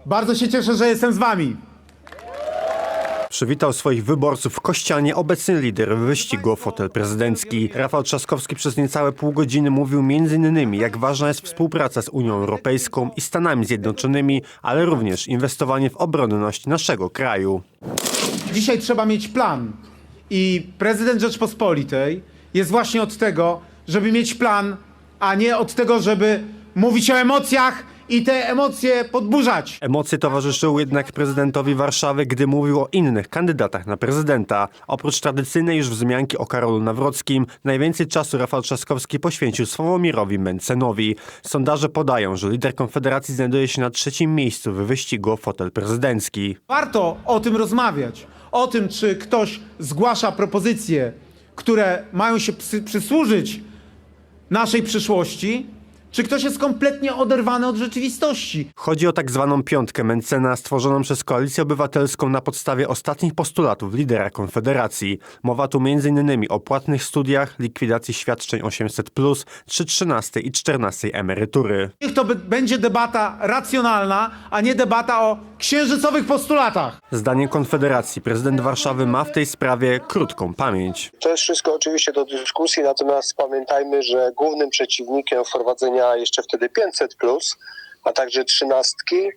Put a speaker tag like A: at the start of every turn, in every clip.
A: Bardzo się cieszę, że jestem z wami.
B: Przywitał swoich wyborców w Kościanie obecny lider wyścigu o fotel prezydencki. Rafał Trzaskowski przez niecałe pół godziny mówił m.in. jak ważna jest współpraca z Unią Europejską i Stanami Zjednoczonymi, ale również inwestowanie w obronność naszego kraju.
A: Dzisiaj trzeba mieć plan i prezydent Rzeczpospolitej jest właśnie od tego, żeby mieć plan, a nie od tego, żeby mówić o emocjach i te emocje podburzać.
B: Emocje towarzyszyły jednak prezydentowi Warszawy, gdy mówił o innych kandydatach na prezydenta. Oprócz tradycyjnej już wzmianki o Karolu Nawrockim, najwięcej czasu Rafał Trzaskowski poświęcił Sławomirowi Mentzenowi. Sondaże podają, że lider Konfederacji znajduje się na 3. miejscu w wyścigu o fotel prezydencki.
A: Warto o tym rozmawiać. O tym, czy ktoś zgłasza propozycje, które mają się przysłużyć naszej przyszłości, czy ktoś jest kompletnie oderwany od rzeczywistości.
B: Chodzi o tak zwaną piątkę Mentzena stworzoną przez Koalicję Obywatelską na podstawie ostatnich postulatów lidera Konfederacji. Mowa tu m.in. o płatnych studiach, likwidacji świadczeń 800+, czy 13. i 14. emerytury.
A: Niech to będzie debata racjonalna, a nie debata o księżycowych postulatach.
B: Zdaniem Konfederacji prezydent Warszawy ma w tej sprawie krótką pamięć.
C: To jest wszystko oczywiście do dyskusji, natomiast pamiętajmy, że głównym przeciwnikiem wprowadzenia jeszcze wtedy 500+, a także 13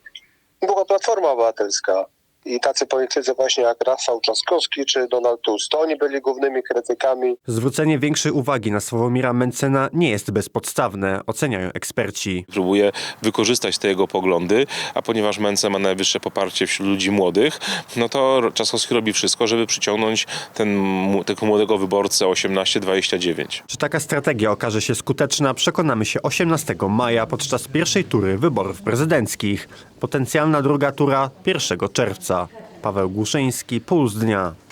C: była Platforma Obywatelska. I tacy politycy właśnie jak Rafał Trzaskowski czy Donald Tusk, to oni byli głównymi krytykami.
B: Zwrócenie większej uwagi na Sławomira Mentzena nie jest bezpodstawne, oceniają eksperci.
D: Próbuje wykorzystać te jego poglądy, a ponieważ Mentzen ma najwyższe poparcie wśród ludzi młodych, no to Trzaskowski robi wszystko, żeby przyciągnąć tego młodego wyborcę 18-29.
B: Czy taka strategia okaże się skuteczna, przekonamy się 18 maja podczas pierwszej tury wyborów prezydenckich. Potencjalna druga tura 1 czerwca. Paweł Głuszyński, Puls Dnia.